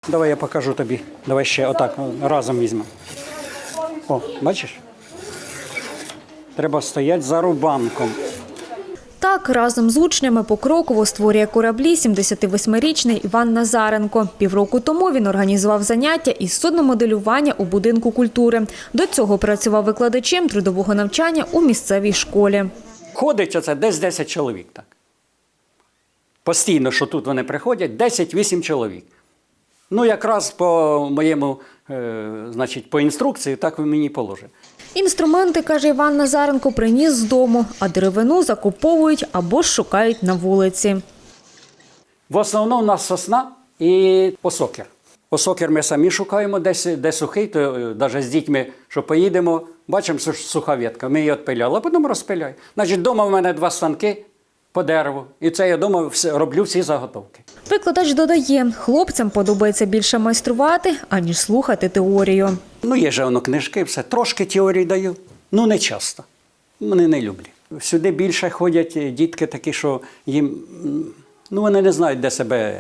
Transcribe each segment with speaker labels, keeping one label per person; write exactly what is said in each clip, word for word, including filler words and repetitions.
Speaker 1: Давай я покажу тобі. Давай ще отак разом візьмемо. О, бачиш? Треба стояти за рубанком.
Speaker 2: Так, разом з учнями покроково створює кораблі сімдесятивосьмирічний Іван Назаренко. Півроку тому він організував заняття із судномоделювання у будинку культури. До цього працював викладачем трудового навчання у місцевій школі.
Speaker 1: Ходить оце десь десять чоловік. Так. Постійно, що тут вони приходять, десять-вісім чоловік. Ну, якраз по моєму, е, значить, по інструкції, так ви мені положите.
Speaker 2: Інструменти, каже Іван Назаренко, приніс з дому, а деревину закуповують або ж шукають на вулиці.
Speaker 1: В основному у нас сосна і осокір. Осокір ми самі шукаємо, десь, де сухий, то навіть з дітьми, що поїдемо, бачимо, що суха ветка, ми її відпиляли, а потім розпиляємо. Значить, вдома в мене два станки по дереву, і це я вдома роблю всі заготовки.
Speaker 2: Викладач додає, хлопцям подобається більше майструвати, аніж слухати теорію.
Speaker 1: Ну, є же воно книжки, все. Трошки теорії даю, ну не часто. Вони не люблять. Сюди більше ходять дітки такі, що їм, ну вони не знають, де себе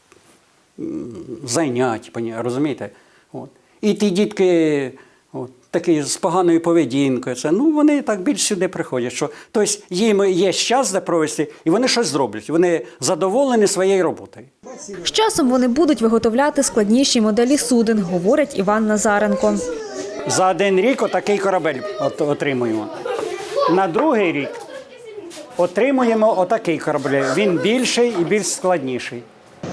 Speaker 1: зайняти, розумієте? От. І ті дітки от, такі з поганою поведінкою, це, ну вони так більш сюди приходять. Що, тобто їм є час де провести, і вони щось зроблять. Вони задоволені своєю роботою.
Speaker 2: З часом вони будуть виготовляти складніші моделі суден, говорить Іван Назаренко.
Speaker 1: За один рік отакий корабель от, отримуємо. На другий рік отримуємо отакий корабель. Він більший і більш складніший.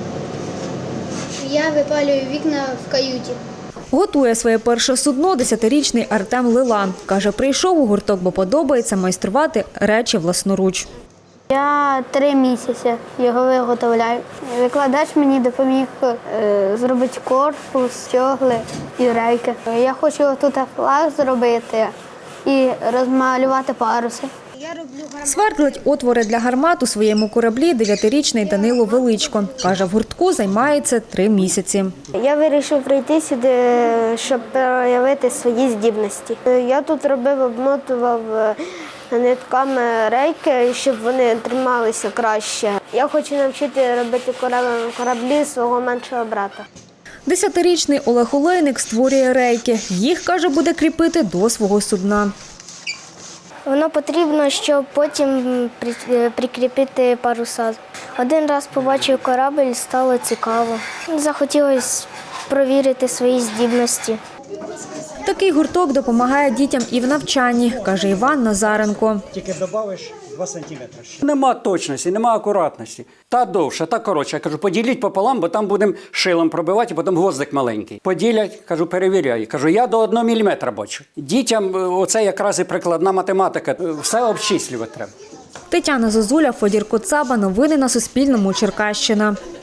Speaker 3: Я випалюю вікна в каюті.
Speaker 2: Готує своє перше судно десятирічний Артем Лила. Каже, прийшов у гурток, бо подобається майструвати речі власноруч.
Speaker 3: Я три місяці його виготовляю. Викладач мені допоміг е, зробити корпус, стягли і рейки. Я хочу тут флаг зробити і розмалювати паруси.
Speaker 2: Свердлить отвори для гармат у своєму кораблі дев'ятирічний Данило Величко. Каже, в гуртку займається три місяці.
Speaker 3: Я вирішив прийти сюди, щоб проявити свої здібності. Я тут робив, обмотував нитками рейки, щоб вони трималися краще. Я хочу навчити робити кораблі свого меншого брата.
Speaker 2: Десятирічний Олег Олейник створює рейки. Їх, каже, буде кріпити до свого судна.
Speaker 3: Воно потрібно, щоб потім прикріпити паруса. Один раз побачив корабль, стало цікаво. Захотілося провірити свої здібності.
Speaker 2: Такий гурток допомагає дітям і в навчанні, каже Іван Назаренко.
Speaker 1: Тільки додавиш два сантиметри. Нема точності, нема акуратності. Та довше, та коротше. Я кажу, поділіть пополам, бо там будемо шилом пробивати, потім гвоздик маленький. Поділять, кажу, перевіряю. Кажу, я до одного міліметра бачу. Дітям оце якраз і прикладна математика. Все обчислювати треба.
Speaker 2: Тетяна Зозуля, Федір Коцаба. Новини на Суспільному. Черкащина.